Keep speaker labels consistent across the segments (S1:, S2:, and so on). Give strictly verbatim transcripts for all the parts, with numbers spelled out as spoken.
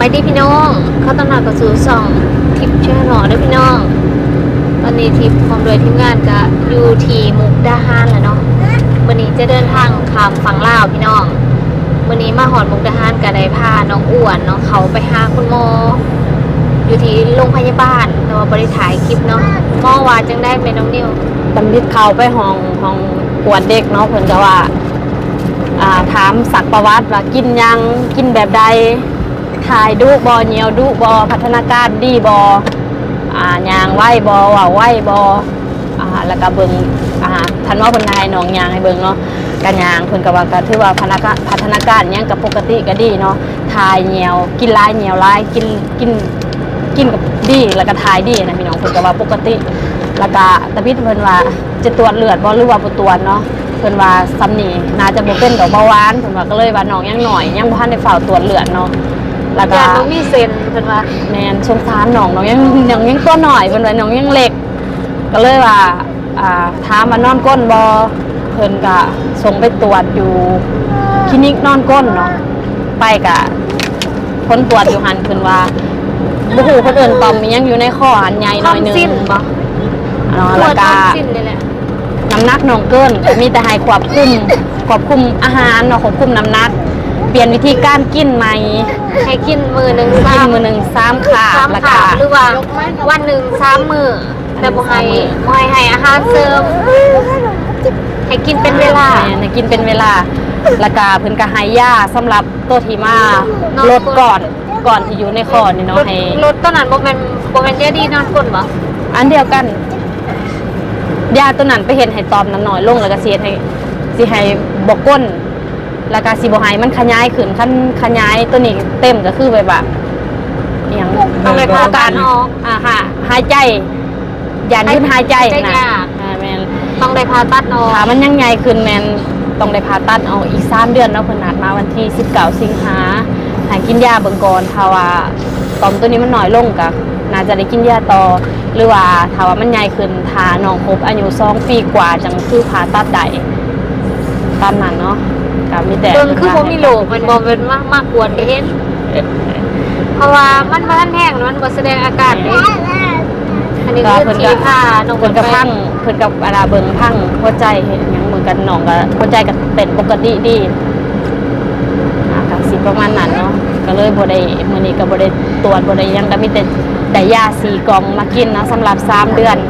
S1: ายดีพี่น้องเขาต้องนัดกับสู่สองทิปเชื่อหนอด้วยพี่น้องตอนนี้ทิปพร้อมโดยทีมงานก็อยู่ที่มุกดาหารแล้วเนาะวันนี้จะเดินทางข้ามฝั่งลาวพี่น้องวันนี้มาหอดมุกดาหารก็ได้พาน้องอ้วนเนาะเขาไปหาคุณหมออยู่ที่โรงพยาบาลแต่ว่าบริถ่ายคลิปเนาะหมอว่าจังได้เป็นน้องนิว
S2: ตำลิดเขาไปห้องห้องปวดเด็กเนาะเพิ่นก็ว่าอ่าถามสักประวัติว่ากินยังกินแบบใดถ่ายดูบอเหนียวดูบอพัฒนาการดีบออ่ายางไหวบอว่าไหวบออ่าแล้วก็เบิ่งอ่าทันว่าเพิ่นให้น้องยางให้เบิ่งเนาะกันยางเพิ่นก็ว่าก็ถือว่าพัฒนาการพัฒนาการยังกับปกติก็ดีเนาะถ่ายเหนียวกินหลายเหนียวหลายกินกินกินกับดีแล้วก็ถ่ายดีนะพี่น้องเพิ่นก็ว่าปกติแล้วก็ตะพิดเพิ่นว่าจะตรวจเลือดบ่หรือว่าบ่ตรวจเนาะเพิ่นว่าซ้ำนี่น่าจะบ่เป็นดอกเบาหวานเพิ่นว่าก็เลยว่าน้องยังหน่อยยังบ่ทันได้เฝ้าตรวจเลือดเนาะแล้วก็
S1: น้องมีเซนเพิ่นว่า
S2: แม่นสงสารน้องน้องยังน้องยังตัวหน่อยเพิ่นว่าน้องยังเล็กก็เลยว่าอ่าถามว่านอนก้นบ่เพิ่นก็ส่งไปตรวจอยู่คลินิกนอนก้นเนาะไปก็ผลตรวจอยู่หั่นเพิ่นว่าบ่ฮู้คนอื่นต่อมมียังอยู่ในคออันใหญ่หน่อยนึง
S1: สิ้นบ่
S2: เนาะแล้วก็
S1: สิ้นนี่แหละ
S2: น้ำหนักน้องเกินมีแต่ให้ควบคุมควบคุมอาหารเนาะควบคุมน้ำหนักเปลี่ยนวิธีการกินใหม่
S1: ให้กินมือหนึ่ง
S2: กินมือหนึ่งสามขา
S1: แล้วก็หรือว่าวันหนึ่งสามมือแต่บ่ให้บ่ให้ให้อาหารเสริมให้กินเป็นเวลา
S2: ให้กินเป็นเวลาแล้วก็เพิ่นก็ให้ยาสำหรับตัวที่มาลดก่อนก่อนที่อยู่ในคอนี่เนาะให้
S1: ลดตัวนั้นบ่แม่นบ่แม่นยาดีนอนก้นบ่
S2: อันเดียวกันยาตัวนั้นไปเห็นให้ตอมน้ำหน่อยลงแล้วก็สิให้สิให้บกก้นแล้วก็สิบ่ให้มันขยายขึ้นคันขยายตัวนี้เต็มก็คือแบบว่าอหยัง
S1: ต้องได้ผ่าตัดออก
S2: อ่าฮะหายใจยานยืดหายใจนะอ่าแม่น
S1: ต้องได้ผ่าตัดออก
S2: ถ้ามันยังใหญ่ขึ้นแม่นต้องได้ผ่าตัดออกอีกสามเดือนเนาะเพิ่นนัดมาวันที่สิบเก้าสิงหาให้กินยาเบิ่งก่อนถ้าว่าตอมตัวนี้มันน้อยลงก็น่าจะได้กินยาต่อหรือว่าถ้าว่ามันใหญ่ขึ้นถ้าน้องครบอายุสองปีกว่าจังคือผ่าตัดได้ตามนั้นเนาะก็มีแต่
S1: เบิ่งคือบ่มีโรคมันบ่เป็นมากมากกวนเห็นเพราะว่ามันบ่ทันแห้งมันบ่แสดงอาการเด้อันนี้คือที่ผ่าน้อง
S2: เพิ่นก็พังเพิ่นกับอาราเบิ่งพังหัวใจเฮ็ดหยังเหมือนกันน้องก็หัวใจก็เต้นปกติดีอ่าก็สิประมาณนั้นเนาะก็เลยบ่ได้มื้อนี้ก็บ่ได้ตรวจบ่ได้หยังก็มีแต่ได้ยาสี่กล่องมากินนะสำหรับสามเดือน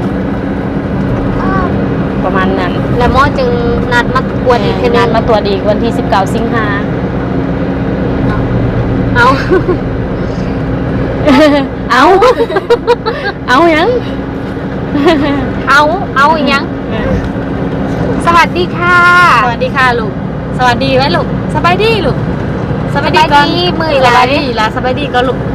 S2: ประมาณนั้น
S1: แล้วหมอจึงนัดมาตรวจอีกทีนึง
S2: นัดมาตรวจอีกวันที่สิบเก้าสิงหา
S1: เอา
S2: เอาเอายัง
S1: เอาเอายังสวัสดีค่ะ
S2: สวัสดีค่ะลูกสวัสดีไว้ลูกสบายดีลูก
S1: สบายดีก่อนมือ
S2: สบายดีล่ะสบายดีก็ลูก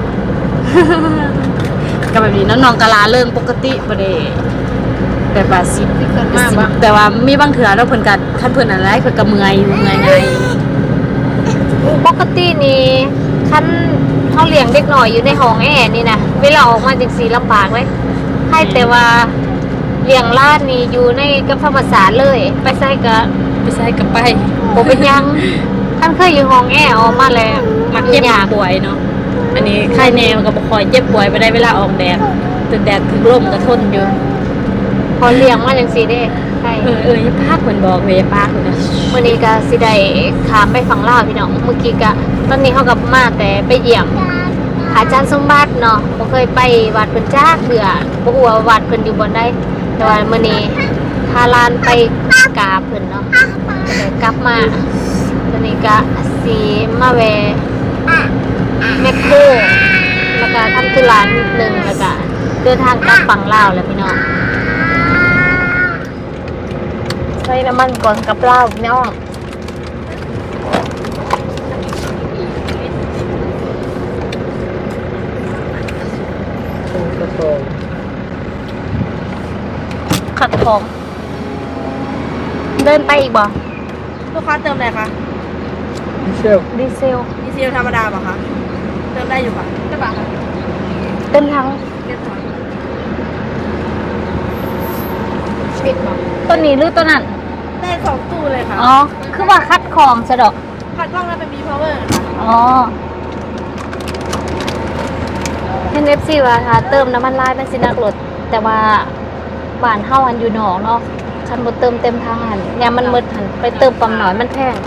S2: ก็แบบนี้น้องๆกะลาเริ่มปกติบ่ได้แบบว่าสิแต่ว่ามีบางเถื่อเราเพิ่นก็คันเพิ่นอะไรเพิ่นก็เมื่อยเมื่อยไง
S1: ปกตินี่คันเฮาเลี้ยงเด็กน้อยอยู่ในห้องแอร์นี่นะเวลาออกมาจังซี่ลำบากเลยให้แต่ว่าเลี้ยงหลานนี่อยู่ในกับธรรมศาสตร์เลยไปใส่ก็
S2: ไปใส่ก็ไป
S1: บ่เป็นหยังคันเคยอยู่ห้องแอร์ออกมาแล้ว
S2: มักเจ็บป่วยเนาะอันนี้ไข้แนวก็บ่ค่อยเจ็บป่วยไปได้เวลาออกแดดถึงแดดถึงลมก็ทนอยู่
S1: พอเลี้ยงมาจังซี่เด้ใช่
S2: เออเอออย่าพากเพิ่นบอกเว้ยพากเพิ่นนะ
S1: มื้อนี้ก็สิได้ข้ามไปฝั่งลาวพี่น้องเมื่อกี้ก็ตอนนี้เฮาก็มาแต่ไปเยี่ยมอาจารย์สมบัติเนาะบ่เคยไปวัดเพิ่นจักเทื่อบ่ฮู้ว่าวัดเพิ่นอยู่บ่ได้แต่ว่ามื้อนี้พาหลานไปกราบเพิ่นเนาะก็ได้กลับมาตอนนี้ก็สิมาแวะแมคโครแล้วก็ทำธุระนิดนึงแล้วก็เดินทางกลับฝั่งลาวแล้วพี่น้องใส่น้ำมันก่อนกับลาวพี่น้องขัดทองเดินไปอีกบ่
S3: ลูกค้าเติมอะไรคะ
S1: ดีเซลดีเซล
S3: ดีเซลธรรมดาป่ะคะเติมได้อยู่ค่ะใช่ป่ะ
S1: เติมทั้งต้นนี้หรือต้นนั้น
S3: ได้สองตู้เลยค่ะ
S1: อ๋อคือว่าคัดของสะดอก
S3: คัดกล้องแล้วเป็น B power ค่ะ
S1: อ๋อน เอฟ ซี ว่าถ้าเติมน้ำมันลายมันสิหนักรถแต่ว่าบ้านเฮาอันอยู่นอกเนาะคันบ่เติมเต็มทางหันยามมันมืดหันไปเติมปั๊มน้อยมันแพง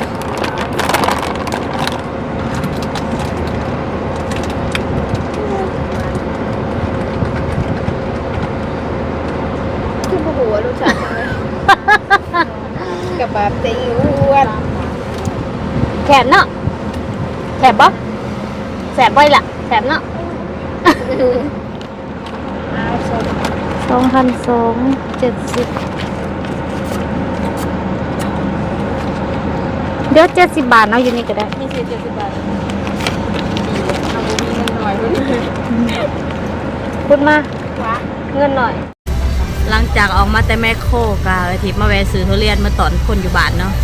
S3: คือผู้หัวลูกสาวกับแบบตีอ้วน
S1: แขนเนาะแขนบ่แสบบ่ล่ะแสบเนาะสองพันสองเจ็ดสิบเดี๋ยวเจ็ดสิบบาทเนาะอยู่นี่ก็ได้
S3: มีสี่เจ็ดสิบบาทเอาบุมีเงินหน่อยบุมี
S1: พูดมา
S3: ว้า
S1: เงินหน่อย
S2: หลังจากออกมาแต่แม่โคกะทิพมาแวะซื้อทุเรียนมาตอนคนอยู่บ้านเนาะ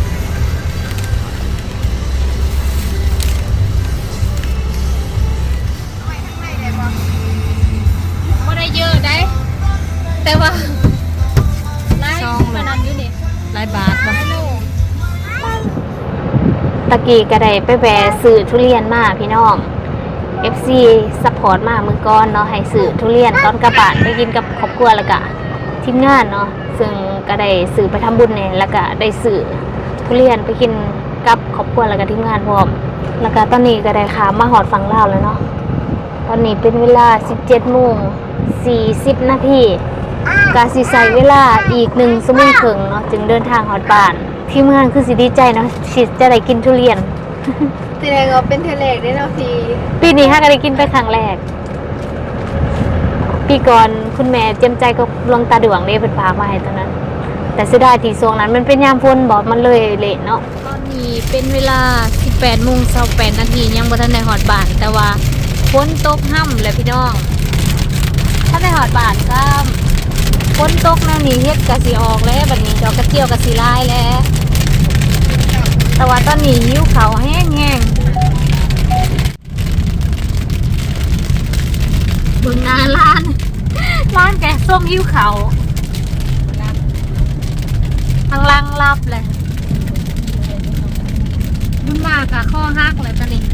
S1: ไม่ได้เยอะได้แต่ว่าไล่มานำอยู่นี่
S2: หลายบาทบ่
S1: ตะกี้ก็ได้ไปแวะซื้อทุเรียนมาพี่น้อง เอฟ ซี ซัพพอร์ตมามือก่อนเนาะให้ซื้อทุเรียนตอนกระบะไปกินกับครอบครัวแล้วก็ทีมงานเนาะซึ่งก็ได้ซื้อไปทำบุญเนี่ยแล้วก็ได้ซื้อทุเรียนไปกินกับครอบครัวแล้วก็ทีมงานพร้อมแล้วก็ตอนนี้ก็ได้ข้ามมาหอดฝั่งลาวแล้วเนาะตอนนี้เป็นเวลา สิบเจ็ดโมงสี่สิบ นาทีก็สิใช้เวลาอีกหนึ่งชั่วโมงครึ่งเนาะจึงเดินทางฮอดบ้านทีมงานคือสิดีใจเนาะสิจะได้กินทุเรียน
S3: แสดงว่าเป็นเทเลกได้เนาะพี่
S1: ปีนี้ฮะก็ได้กินไปครั้งแรก ปีก่อนคุณแม่เจียมใจก็ลวงตาดวงได้เป็นพามาให้ตอนนั้น แต่เสียดายที่ช่วงนั้นมันเป็นยามฝนบอกมันเลยเละเนาะตอนนี้เป็นเวลา สิบแปดโมงยี่สิบแปด นาทียังบ่ทันได้ฮอดบ้านแต่ว่าฝนตกห่ำเลยพี่น้องถ้าได้ฮอดบ้านก็ฝนตกแนวนี้เฮ็ดก็สิออกแล้วบัดนี้ดอกกระเจียวก็สิลายแล้วแต่ว่าตอนนี้หิวข้าวแห้งๆเบิ่งหน้าร้าน ร้านแกงส้มหิวข้าวทางล่างรับเลยบุญมากอะข้อหักเลยตอนนี้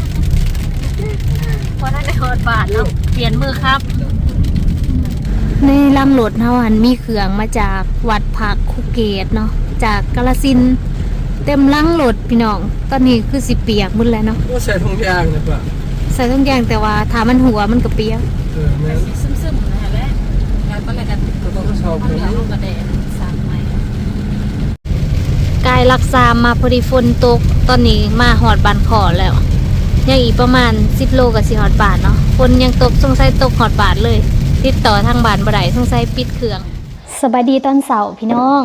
S1: เพราะนั่นในฮอดบาทเนาะเปลี่ยนมือครับในลังรถเฮาหันมีเครื่องมาจากวัดผักคุเกตเนาะจากกาฬสินธุ์เต็มลังรถพี่น้องตอนนี้คือสิเปียกหมดแล้วเนาะ
S4: ก็ใส่ถุงยางนะป่ะ
S1: ใส่ต้องแยงแต่ว่าถ้ามันหัวมันก็เปียก
S4: เออแม่
S2: ซึมๆนะฮะและการตอนแรกกัน
S4: ก็ต้องชอบ
S2: เอาเหลืองลงกระเดะสามไม้
S1: กายรักษามาพอดีฝนตกตอนนี้มาหอดบานขอแล้วยังอีกประมาณสิบโลกับสิหอดบาทเนาะฝนยังตกสงสัยตกหอดบาทเลย ติดต่อทางบ้านบ่ได้สงสัยปิดเครื่องสบายดีตอนเสาร์พี่น้อง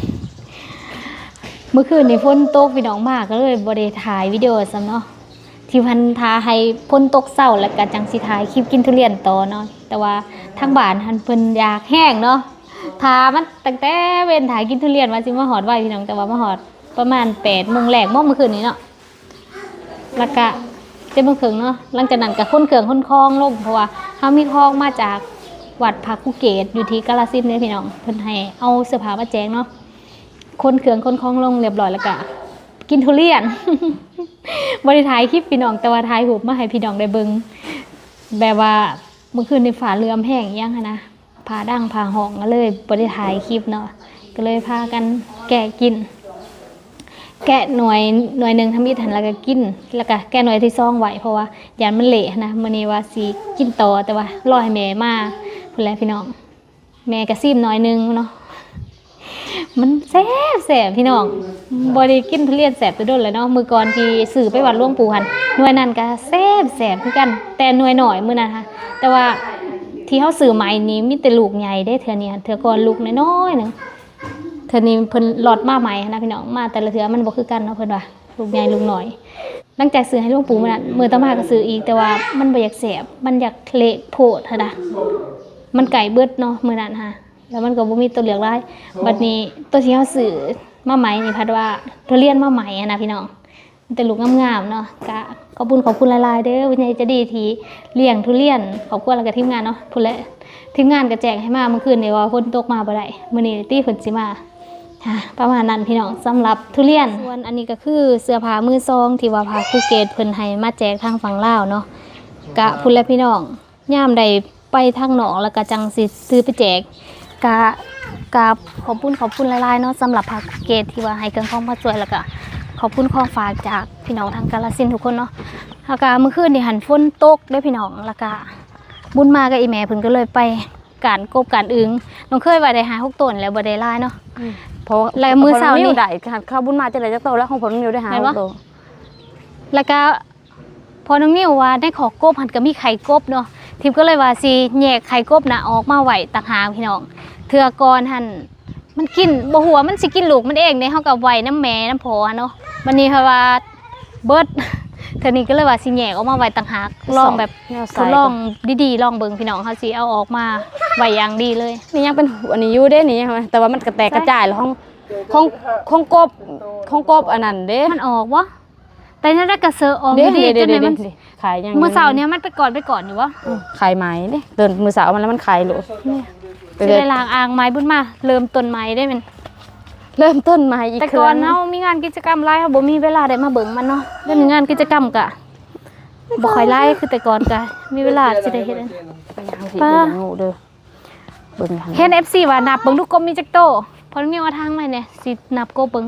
S1: เมื่อคืนนี่ฝนตกพี่น้องมากก็เลยบ่ได้ถ่ายวิดีโอซ้ำเนาะที่พันทาให้ฝนตกเศร้าแล้วก็จังสิถ่ายคลิปกินทุเรียนต่อเนาะแต่ว่าทางบ้านหันเพิ่นอยากแห้งเนาะทามันตั้งแต่เว้นถ่ายกินทุเรียนมาสิมาหอดไว้พี่น้องแต่ว่ามาหอดประมาณแปดโมงแรกมื้อเมื่อคืนนี้เนาะแล้วก็เจ็ดโมงครึ่งเนาะหลังจากนั้นก็ค้นเครื่องค้นคลองลงเพราะว่าเฮามีคลองมาจากวัดพระคุเกตอยู่ที่กาฬสินธุ์เนี่ยพี่น้องเพิ่นให้เอาเสื้อผ้ามาแจกเนาะค้นเครื่องค้นคลองลงเรียบร้อยแล้วก็กินทุเรียน บริถ่ายคลิปพี่น้องแต่ว่าถ่ายรูปมาให้พี่น้องได้เบิ่งแบบว่าเมื่อคืนในฝาเรือมแห้งยังหั้นนะพาดังพาห้องก็เลยบริถ่ายคลิปเนาะก็เลยพากันแกะกิน แกะหน่วยหน่วยหนึ่งทำอิฐหันแล้วก็กินแล้วก็แกะหน่วยที่ซองไว้เพราะว่ายันมันเละนะมื้อนี้ว่าสิกินต่อแต่ว่ารอให้แม่มาพุ่นแหละพี่น้องแม่ก็ซิมหน่อยนึงเนาะมันแซ่บแซ่บพี่น้องบ่ได้กินทุเรียนแซ่บตัวโดนเลยเนาะมื้อก่อนที่ซื้อไปวัดหลวงปู่หันหน่วยนั้นก็แซ่บแซ่บคือกันแต่หน่วยหน่อยมื้อนั้นค่ะแต่ว่าที่เฮาซื้อใหม่นี้มีแต่ลูกใหญ่เด้เทื่อนี้เทื่อก่อนลูกน้อยๆนึงเทื่อนี้เพิ่นหลอดมาใหม่นะพี่น้องมาแต่ละเทื่อมันบ่คือกันเนาะเพิ่นว่าลูกใหญ่ลูกน้อยหลังจากซื้อให้หลวงปู่มื้อนั้นมื้อต่อมาก็ซื้ออีกแต่ว่ามันบ่อยากแซ่บมันอยากเละโพดหั่นน่ะมันไก่เบิดเนาะมื้อนั้นค่ะแล้วมันก็บ่มีตัวเหลืองหลายบัดนี้ตัวที่เฮาซื้อมาใหม่นี่พัดว่าทุเรียนมาใหม่อะนะพี่น้องมันแต่ลูกงามๆเนาะก็ขอบคุณขอบคุณหลายๆเด้อวิญญาณจะดีที่เลี้ยงทุเรียนขอบคุณแล้วก็ทีมงานเนาะพุ่นแหละทีมงานก็แจ้งให้มาเมื่อคืนนี่ว่าฝนตกมาบ่ได้มื้อนี้ตี้ฝนสิมาค่ะประมาณนั้นพี่น้องสำหรับทุเรียนส่วนอันนี้ก็คือเสื้อผ้ามือซองที่ว่าพาภูเก็ตเพิ่นให้มาแจกทางฝั่งลาวเนาะกะพุ่นและพี่น้องย่ามใดไปทางหนองแล้วก็จังสิซื้อไปแจกกะกะขอบคุณขอบคุณหลายๆเนาะสำหรับผักเกตที่ว่าให้เครื่องของมาช่วยแล้วก็ขอบคุณของฝากจากพี่น้องทางกาฬสินธุ์ทุกคนเนาะแล้วก็เมื่อคืนนี่หันฝนตกด้วยพี่น้องแล้วก็บุญมากับอีแม่เพิ่นก็เลยไปการกบการอึงน้องเคยว่าได้หาหกต้นแล้วบ่ได้หลายเนาะ
S2: เพราะ
S1: แล้วมื้อเช้านี่
S2: ได้ข้าวบุญมาจะได้จักโตแล้วของผมนิ้วได้หา
S1: เห็นปะ
S2: โต
S1: แล้วก็พอน้องนิ้วว่าได้ขอกบหันก็มีไข่กบเนาะทิมก็เลยว่าสิแยกไข่กบน่ะออกมาไว้ต่างหากพี่น้องเทื่อก่อนหันมันกินบ่หัวามันสิกินลูกมันเองเด้เฮาก็ไว้น้ำแม่น้ำพอเนาะวันนี้เพราะว่าเบิด เทื่อนี้ก็เลยว่าสิแยกออกมาไว้ต่างหากลองแบบ
S2: แนว
S1: ท
S2: ใส่
S1: ดลองดีๆลองเบิ่งพี่น้องเฮาสิเอาออกมาไว้อย่างดีเลย
S2: นี่ยังเป็นอันนี้อยู่เด้นี่ยังแต่ว่ามันกระแตกกระจายแล้วของของของกบของกบอันนั้นเด้
S1: มันออกบ่แต่นั่นได้กระเซอออก
S2: เด้
S1: ดี
S2: เด้
S1: ๆจ
S2: เด้
S1: นไหน
S2: เด้
S1: มัน
S2: เด้ขายยัง
S1: เมื่อเช้าเนี้ยมันไปก่อนไปก่อนอยู่วะ
S2: ขายไหมเด้เดินมือสาวมันแล้วมันขายโหลไป
S1: จะ
S2: เลย
S1: ได้ล้างอ่างไม้บุญมาเริ่มต้นไม้ได้มัน
S2: เริ่มต้นใหม่อีก
S1: แต่
S2: ค
S1: ก่อ
S2: รั้
S1: น
S2: ง
S1: เฮามีงานกิจกรรมหลายเฮาบ่มีเวลาได้มาเบิ่งมันเนาะเรื่องงานกิจกรรมกะบ่ค่อยหลายคือแต่ก่อนกะมีเวลาสิได้เฮ็ดอัน
S2: ไปยังสิเป็นงูเด้อเบิ่งหัน
S1: เฮ็ด เอฟ ซี ว่านับเบิ่งลูกกบมีจักโตพอมีว่าทางใหม่เนี่ยสินับกบเบิ่ง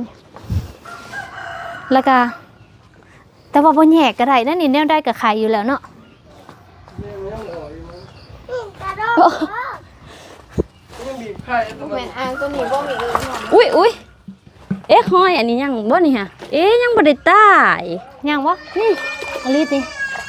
S1: แล้วก็แต่ว่าบ่แยกก็ได้นั่นนี่แนวได้ก็ขายอยู่แล้วเนาะ
S3: แม่นอ่างตัวนี้บ่มีอื่นหรอก
S2: อุ้ยอุ้ยเอ๊ะห้อยอันนี้ยังบ่นี่ฮะเอ๊ะยังบ่ได้ตาย
S1: ยังวะนี่อลิสนี่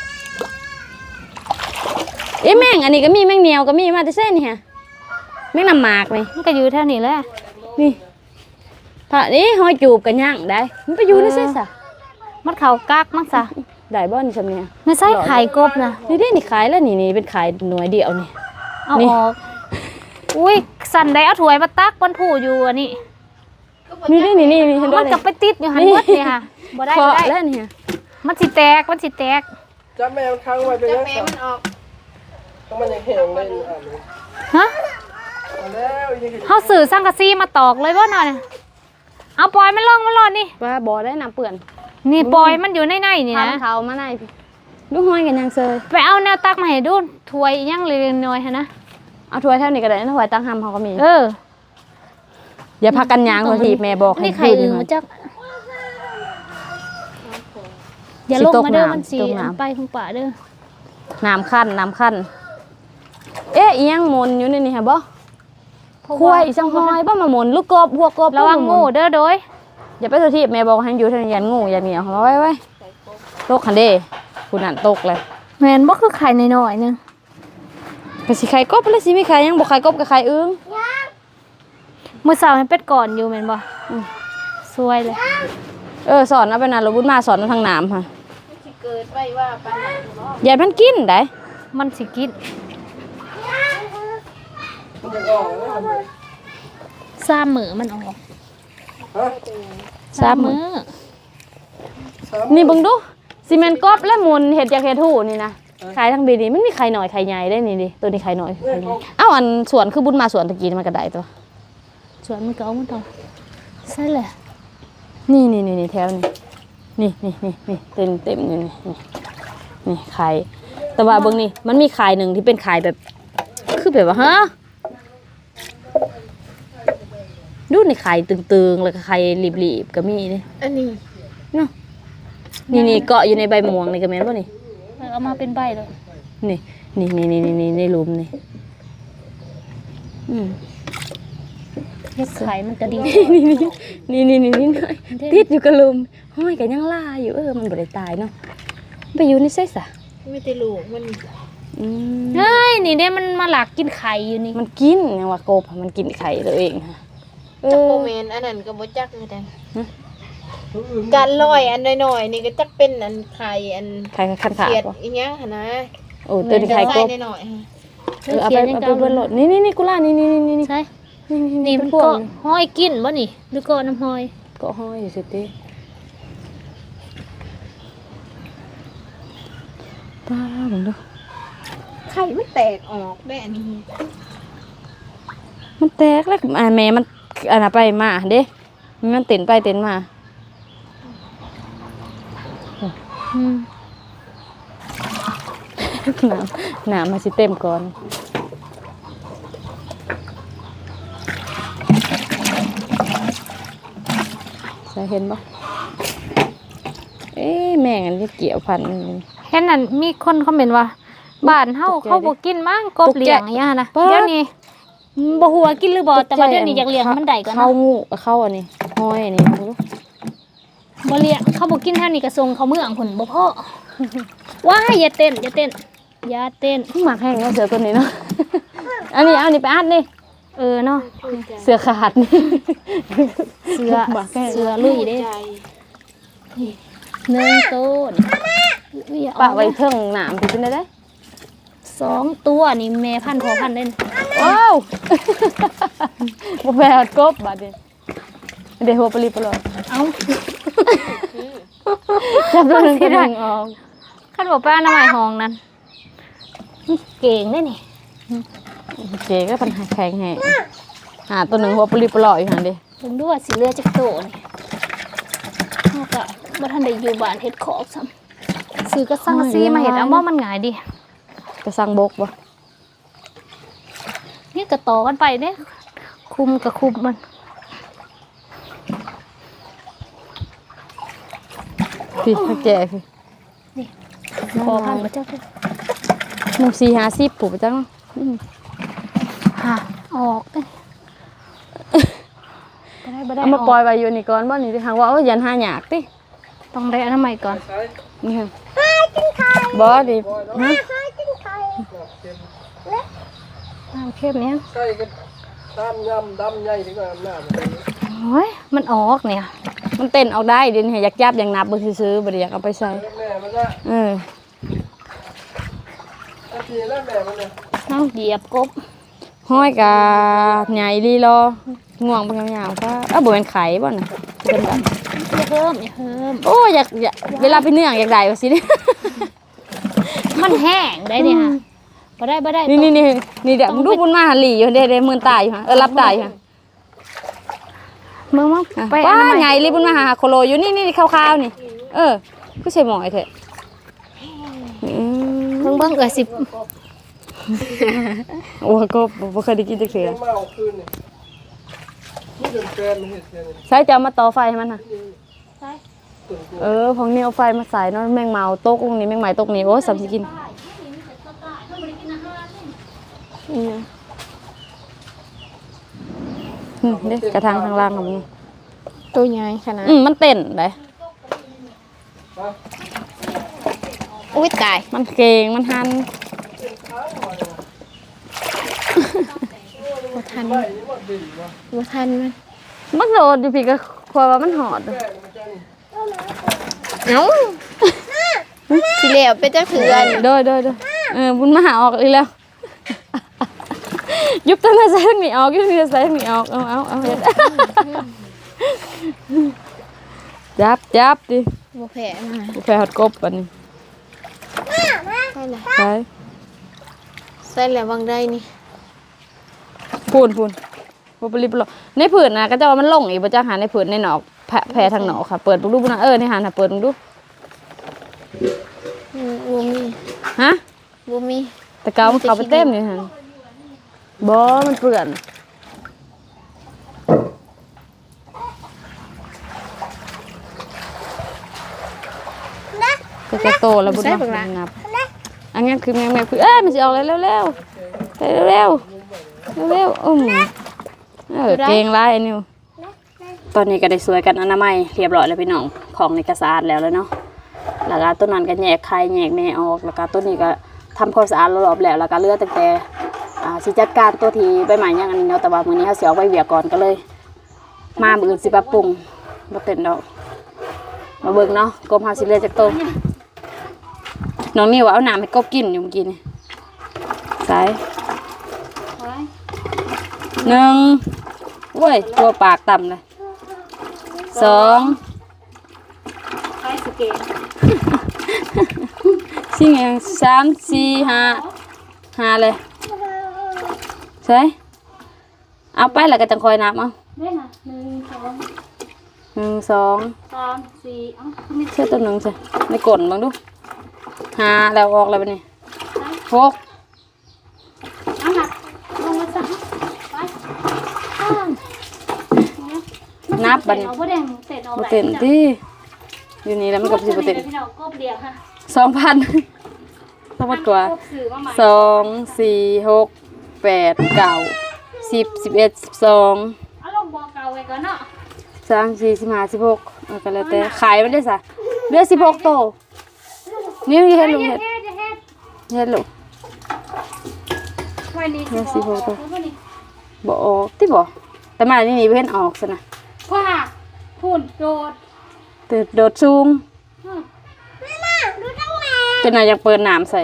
S2: เอ๊ะแม่งอันนี้ก็มีแม่งเหนียวก็มีมาแต่เส้นนี่ฮะแม่งน้ำหมากนี่
S1: มันก็อยู่แถวนี้แหละ
S2: นี่พระนี่ห้อยจูบกันย่างได้มันไปอยู่ในเส้นซะ
S1: มันเข้ากักมั้งซะ
S2: ได้บ่นี่ซำเนี่ย
S1: ไม่ใช่ไข่กบนะ
S2: นี่เด้นี่ขายแล้วนี่นี่เป็นขายหน่วยเดียวนี่
S1: เอา
S2: นี่
S1: ออก อุ้ยสันได้เอาถ้วยมาตักบนผู้อยู่อันนี้
S2: นี่เด้นี่นี่นี่เห็นบ่
S1: มัน
S2: นี่
S1: ก็ไปติดอยู่หัน
S2: นี่
S1: หมดนี่ค่ะบ่ได้
S2: เคาะ
S1: บ่ได้
S2: แล้วนี่ฮะ
S1: มันสิแตก มันสิแตก
S4: จับแมวค้างไว้เป็น
S3: จะ
S4: ยัง
S3: แม่
S4: ไง
S3: มันออก
S4: ต้องมันยังแห้งเลยอ่านเลย
S1: ฮะ
S4: เอาแล้วยังไง
S1: เฮาซื้อสังกะสีมาตอกเลยบ่หน่อยเอาปล่อยมันลงมันหลดนี่
S2: ว่าบ่ได้น้ำเปื้อน
S1: นี่ปล่อยมันอยู่ในในนี่
S2: ทา
S1: นะ
S2: เขามาในพี่ลูกห้อยกันยังเซย
S1: ไปเอาแนวตักมาให้ดูถ้วยอีหยังเล็กๆน้อยๆหั่นนะ
S2: เอาถ้วยเท่านี้ก็ได้นะถ้วยตั้งหำเขาก็มี
S1: เออ
S2: อย่าพักกันยางโทษทีแม่บอก
S1: นี่ไข่
S2: คื
S1: อึ่ง
S2: น
S1: มา
S2: นี้
S1: จักอย่าลงมาเด้อ
S2: สิตกน้ำ
S1: มันสิ
S2: ตกน้ำ
S1: ไปของป่าเด้อ
S2: น้ำขั้นน้ำขั้นเอ๊ะอีหยังหมนอยู่ในนี่ฮะบ่
S1: เพราะ
S2: ควา
S1: ว่าย
S2: อีสังหอยบ่มาหมุนลูกกบพวกกบ
S1: ระวังงูเด้อโดย
S2: อย่าไปโทษทีแม่บอกให้อยู่ทางยันงูอย่าเหนียวเอาไว้ไว้ตกคันเด้คุณนั่นตกเลย
S1: แม่นบ่คือไข่น้อยๆนึง
S2: ก็สิไข่กบแล้วสิมีไข่ยังบ่ไข่กบกับไข่อึ้ง
S1: มื้อเช้าให้เป็ดก่อนอยู่แม่นบ่
S2: อืม
S1: สวยเลย
S2: เออสอนเอาไปนานเราบุญมาสอนเอาทางน้ำค่ะ
S3: สิเกิดไว้ว่าปานนั้นเนาะ
S2: อย่ามันกินได้
S1: มันสิกิน
S4: มันจะออกแล้วมัน
S1: สามมื้อมันออก
S4: ฮะ
S2: สามมื้อ
S4: สาม
S2: นี่เบิ่งดูซีเมนต์กบและหมุนเห็ดจากเห็ดหูนี่นะขายทั้งบีนี่มันมีไข่หน่อยไข่ใหญ่ได้นี่ดิตัวนี้ไข่หน่อยไข่ใหญ่เอ้าอันสวนคือบุญมาสวนตะกี้นี่มันก็ได้ตัว
S1: สวยมันก็เอามันต่อใช่แหละ
S2: นี่นี่นี่นี่แถวนี่นี่นี่นี่นี่เต็มเต็มนี่นี่นี่นี่ไข่แต่ว่าเบิ่งนี่มันมีไข่หนึ่งที่เป็นไข่แบบคือแบบว่าฮะดูนี่ไข่ตึงๆแล้วก็ไข่รีบๆก็มีนี่
S3: อันนี้
S2: เนาะนี่นี่เกาะอยู่ในใบม่วงนี่ก็แม่นบ่นี่
S1: เอามาเป็นใบเลย
S2: นี่นี่นี่นี่นี่นี่ในหลุมนี่อืม
S1: เฮ็ดไข่มันก็ดี
S2: นี่นี่นี่นี่นี่หน่อยติดอยู่กับหลุมห้อยก็ยังล่าอยู่เออมันบ่ได้ตายเนาะไปอยู่ในไสซะ
S3: มีแต่ลูกมัน
S2: อืม
S1: เฮ้ยนี่เด้มันมาหลักกินไข่อยู่นี่
S2: มันกินยังว่ากบมันกินไข่ตัวเองค่ะเอ
S3: จัก
S2: อ
S3: โมเมนอันนั้นก็บ่จักคือกันการลอยอันน้อยๆนี่ก็จักเป็นอันไข่อัน
S2: ไข่คันขาด
S3: เขียด
S2: บ่
S3: อีหยังหั่นนะ
S2: โอ้ตัวนี้ไข่กบ
S3: ใส่น้อยๆฮะ
S2: เออเอาไปเอาไปเบิ่งโลดนี่นี่นี่กุล่านี่นี่นี่นี่
S1: ใช่
S2: นี่
S1: นี่มัน
S2: พว
S1: ก็
S2: ก
S1: ห้อยกินบ่นี่หรือก็น้ำห้อย
S2: ก็ห้อยอยู่สิติป้าเบิ่งดู
S3: ไข่มันแตกออกได้อันนี้
S2: มันแตกแล้วอ่าแม่มันอันน่ะไปมาเด้มันเต้นไปเต้นมา
S1: อืม
S2: น้ำน้ำมาสิเต็มก่อนใส่เห็นปะเอ๊ะแม่งอันนี้เกี่ยวพัน
S1: เห็นนั่นมีคนคอมเมนต์ว่าบ้านเฮาเขาบ่กินมั้งกบเลี้ยงอย่างเงี้ยนะเดี๋ยวนี้บ่ฮู้ว่ากินหรือบ่แต่ว่าเดี๋ยวนี้อยากเลี้ยงมันได้ก่อน
S2: เข้า
S1: นะ
S2: งูเข้าอันนี้ห้อยอันนี้ดู
S1: บ่เลี้ยงเขาบ่กินแถวนี้ก็ส่งเขาเมืองพุ่นบ่พอว้ายอย่าเต้นอย่าเต้นอย่าเต้น
S2: หมักแห้งแล้วเสือตัวนี้เนาะ อันนี้เอาอันนี้ไปอัดนี่
S1: เออเนาะ
S2: เสือขาดนี่
S1: เสือ
S2: หมักแห้ง
S1: เสือลุยเด้หนึ่งต้นอุ้ย
S2: ปะไว้เทิงหนามถึงเป็นได้ได้
S1: สองตัวนี่แม่พันธุ์พอพันธุ์เล่น
S2: ว้าว บ่แม่นกบบาดนี้เดี๋ยวหัวปลีปลอย
S1: เอ้า
S2: จับตัวหนึงตัวหนึงออก
S1: คันบอกป้าน้ำไม้ห้องนั้นเก่งได้นี่
S2: เก๋ก็ปัญหาแข็งแฮงหาตัวหนึงหัวปลีปลอยอยู่หั่นดิ
S1: เบิ่งดูว่าสิเหลือจักโตนี่เฮาก็บ่ทันได้อยู่บ้านเฮ็ดขอกซ้ำซื้อกระสังกะสีมาเฮ็ดเอาบ่มันง่ายดิ
S2: กระสังบกบ่
S1: นี่ก็ต่อกันไปเด้คุมกับคุมมัน
S2: พี่ถ้าแก่คือ
S1: พอพันธุ์บ่จักเด้อ
S2: หมู่สี่ห้าสิบผู้บ่จังอืม
S1: หาออกเด้บ่ได้บ่ได้
S2: เอามาปล่อยไว้อยู่นี่ก่อนบ่นี่สิหากว่าเอายันหาหยากติ
S1: ต้องได้อนามัยก่อน
S4: ใส่
S2: นี่ค่ะบ่ดิฮะ
S1: น้ำเข้มเนี่ย
S4: ใส่กันตามยำดำใหญ่ดีกว่าหน้ามัน
S1: โอ้ยมันออกเนี่ย
S2: มันเต้นเอาได้เดี๋ยวนี้อยากจับอยากนับเบิ่งซื่อๆบ่ได้อยากเอาไปใส่
S4: แม่มันละ
S2: เออ
S4: ตะกี้แล้วแม่มันเนี่ย
S1: น้ำเหยียบกบ
S2: ห้อยกะใหญ่ลีรอง่วงเป็นยาวๆก็เอ้าบ่เป็นไข่บ่น่ะเป็นแบบ
S1: อย่าเพิ่มอย่าเพิ่ม
S2: โอ้อยากอยากเวลาไปเนื่องอยากได้ว่าสิเนี่ย
S1: มันแห้งได้เนี่ยค่ะบ่ได้บ่ได้
S2: นี่นี่นี่นี่เดี๋ยวมึงดูบุญมาหันหลีอยู่เด้เด้มือตายอยู่ฮะเออรับตายอยู่ฮะ
S1: มึงมั้งไป
S2: ป้า
S1: อนามัย
S2: ไงรีบุญมาหาโคโลอยู่นี่นี่ขาวๆนี่ เออก็ใช่หมอยเถอะอืม
S1: เบิ่งเบิ่งเอ้ยสิ
S2: โอ้ก็บ่เคยได้กินจักเทื่อ
S4: มาเอาคืนนี่นี่เป็นแฟนมันเห็ดแฟนนี่
S2: ใช้จะเอามาต่อไฟให้มันน่ะ
S4: ตุ่น
S2: เออของนี่เอาไฟมาใส่เนาะแมงเมาตกตรงนี้แมงไหม้ตกนี่โอ้ยสำสิกินอืมอืมเด้กระทางทางล่างของมึง
S3: ตัวใหญ่ขนาด
S2: อืมมันเต้นได้
S3: อุ้ยตาย
S2: มันเก่งมันหัน
S3: บ่ทันบ่ทันมัน
S2: มันโดดอยู่พี่ก็คอยว่ามันหอด
S3: เอ้าสิแล้วไปจักเถื่อน
S2: โดยโดยโดยเออบุญมาหาออกอีกแล้ว ยุบตั้งแต่ใส่ทั้งนี้ออกยุบตั้งแต่ใส่ทั้งนี้ออกเอาเอาเอาเฮ็ด จับจับดิ
S3: บ่แพ้มา
S2: กูแฟฮอดกบอันนี้
S3: ใช่เลย
S2: ใช่
S3: ใส่แล้วบางได้นี่
S2: พูนพูนบ่ปริบหรอกในผืนนะก็จะว่ามันลงอีกบ่จักหาในผืนในหนอกแผลแผลทางหนอกค่ะ เปิดดูดูบุญนะเออในหาน่ะเปิดดูดู
S3: อืมบ่มี
S2: ฮะ
S3: บ่มี
S2: แต่เกามันเข้าไปเต็มนี่หั่นบ่มันเปื้อนก็จะโตแล้วบุญเนาะบุญงับอันนี้คือแมงแมงคือเอ้ยมันสิออกแล้วเร็วๆไปเร็วๆเร็วๆอืมเออเก่งหลายอันนี้ตอนนี้ก็ได้สวยกันอนามัยเรียบร้อยแล้วพี่น้องของในกระสะอาดแล้วเลยเนาะแล้วก็ต้นนั้นก็แยกไข่แยกแม่ออกแล้วก็ต้นนี้ก็ทำความสะอาดรอบๆแล้วแล้วก็เหลือตั้งแต่อ่าสิจัดการตัวที่ใบไม้ยังอันนี้เนาะแต่ว่ามื้อนี้เฮาสิเอาไว้เวียก่อนก็เลย มามื้ออื่นสิปรับปรุงบ่เต็มดอกมาเบิ่งเนาะกบเฮาสิเหลือจักโตน้องนี่ว่าเอาน้ำให้กบกินอยู่เมื่อกี้นี่ใส่หนึ่งโอ้ยตัวปากต่ำเลยสอง
S1: ไปสเกน
S2: สี่ไงสามสี่ห้าห้าเลยใช่เอาไปแล้วก็จังคอยนับเอา
S1: ได้ค่ะหนึ่งสอง
S2: หนึ่งสอง
S1: สามสี่เอ้าไม่
S2: เชื่อตัวหนึ่งใช่ในกลนบ้างดูห้าแล้วออกแล้วปะนี่
S1: ใช่
S2: หก
S1: เอาหนักลงมาซะไปข้าง
S2: นับบัดนี้
S1: เอาบ่แดงเต็นออก
S2: บ่
S1: ไหล
S2: เต็นติอยู่นี่แล้วมันก็สิบ่เต็น
S1: พี่น้องกบเดียวค่ะ
S2: สองพันทั้งหมดกว่า
S1: กบซื้อมาใหม่
S2: สองสี่หกแปดเก้าสิบสิบเอ็ดสิบสอง
S1: เอาลงบ่อเก่าไว้ก่อนเนาะ
S2: สามสี่สิบห้าสิบหกเอาก็แล้วแต่ขายมันได้ซะเหลือสิบหกโตนี่เฮ็ดลูก
S1: เฮ็
S2: เฮ็
S1: ด
S2: ด
S1: เฮ็ดเฮ็ด
S2: เฮ็ดลูก
S1: ไว้นี่
S2: เฮ็ดสิบ่ต้อง
S1: เอาไว้นี่
S2: บ่ออกติบ่แต่มานี่นี่เพิ่นออกซะนะ
S1: คว้าพูนโดด
S2: แต่โดดสูง
S1: อืม
S2: จนน่าอยากเปิดน้ำใส่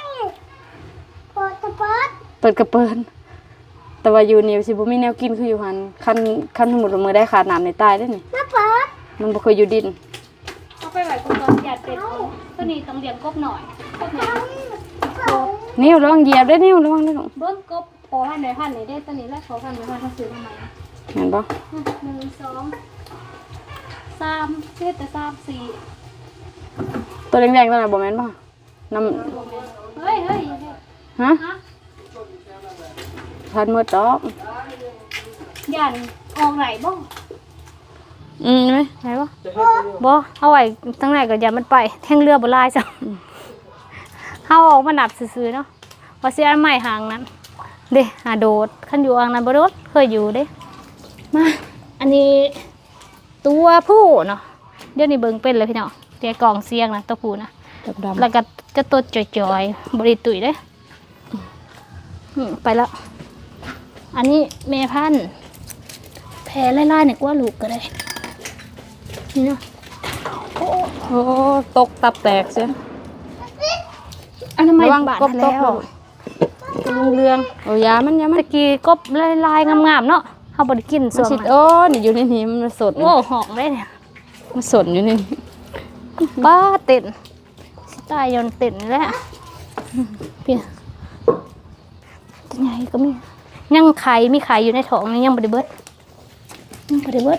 S2: เปิดกระเปิดแต่ว่าอยู่นี่สิบ่มีแนวกินคืออยู่หั่นคันคันสมมุติว่ามื้อได้ขาดน้ำในใต้เด้อนี่มันบ่เคยอยู่ดิน
S1: เอาไปไว้ก่อนอย่าเป็ดตัวนี้ต้องเลี้ยงกบหน่อยกบหน่อยกบ
S2: นิ้วระวังเหยียบเด้อนิ้วระวังเด้อลูก
S1: เบิ้งกบโปให้หน่อยพันหน่อยได้ตัวนี้แล้วขอพันหน่อยพันเขาซื้อมาใหม่
S2: เห็นบ่
S1: หนึ่งสองสามเจ็ดแต่สามสี่
S2: ตัวแดงๆตัวนั้นบ่แม่นบ่น้ำ
S1: เฮ้ยเฮ้ย
S2: ฮะ
S1: ฮะ
S2: ทันหมดดอก
S1: ยันออกไหนบ้าง
S2: อืมไหม
S1: ไหนบ้างบ่เอาไว้ตั้งไหนก็อย่ามันไปแท่งเรือบ่ลายจ้ะเอาออกมาดับซื่อๆเนาะว่าเสียอันใหม่หางนั้นเด้หาโดดขันอยู่อ่างนั้นบ่โดดเคยอยู่เด้มาอันนี้ตัวผู้เนาะเดี๋ยวนี้เบิ่งเป็นเลยพี่น้องเตียกล่องเสียงนะตัวผู้นะ
S2: ดำ
S1: แล้วก็จะตัวจ่อยๆบริตุยเด้อืมไปแล้ว อันนี้แม่พันธุ์แพ้ไล่ๆเนี่ยกว่าลูกก็ได้นี่เนาะโอ้
S2: โอ้ตกตับแตกเสีย
S1: อันนั้นไม่
S2: ระวัง
S1: บาด
S2: กบต
S1: แล้
S2: ก
S1: วลุงเรือง
S2: โอ้ยามันยามัน
S1: ตะกี้กบลายๆงามๆเนาะเขาบริกิน
S2: มัน
S1: ส่วน
S2: สิ
S1: มัน
S2: โอ้นี่อยู่ในนี้มันสด
S1: โอ้หอมเลยเนี่ย
S2: มันสดอยู่นี่
S1: บ้าเต้นสิตายยนเต้นแล้วเพี่ตัวใหญ่ก็มียังไข่มีไข่อยู่ในท้องนี่ยังบริเบิดยังบริเบิด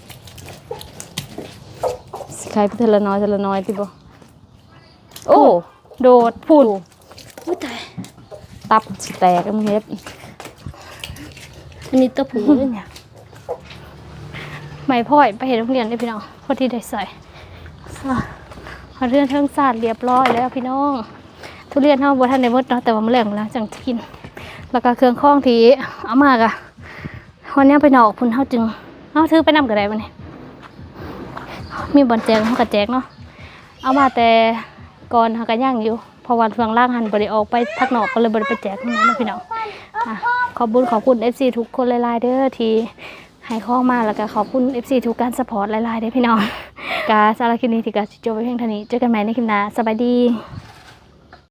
S2: สิขายไปเทละน้อยเทละน้อยติบ่โอ้
S1: โดดพูนอุ้ยตาย
S2: ตับสิแตกมึงเฮ็ด
S1: อันนี้ตัวผูเลยเนี่ยไม่พ่อยไปเห็นโรงเรียนได้พี่น้องพอที่ได้ใส่เอาเรื่องเทิงศาสตร์เรียบร้อยแล้วพี่น้องทุเรียนเท่าบัวท่านในมดเนาะแต่ว่ามันแหลงแล้วจังจะกินแล้วก็เครื่องข้องที่เอามากอะวันนี้ไปนอกพุ่นเท่าจึงเอาถือไปนำกระไดวันนี้มีบอลแจกเขากระแจกเนาะเอามาแต่ก่อนเขากระย่างอยู่เพราะวันเฟืองล่างหันบริออกไปทักนอกก็เลยบริไปแจกนี่นะพี่น้องอ่ะขอบคุณขอบคุณ เอฟ ซี ทุกคนหลายๆเด้อที่ให้ข้อมาแล้วก็ขอบคุณ เอฟ ซี ทุกการสปอร์ตหลายๆเด้อพี่น้องกาสารบคลิปนี้ที่กาจิโจไปเพียงเท่านี้เจอกันใหม่ในคลิปหน้าสบายดี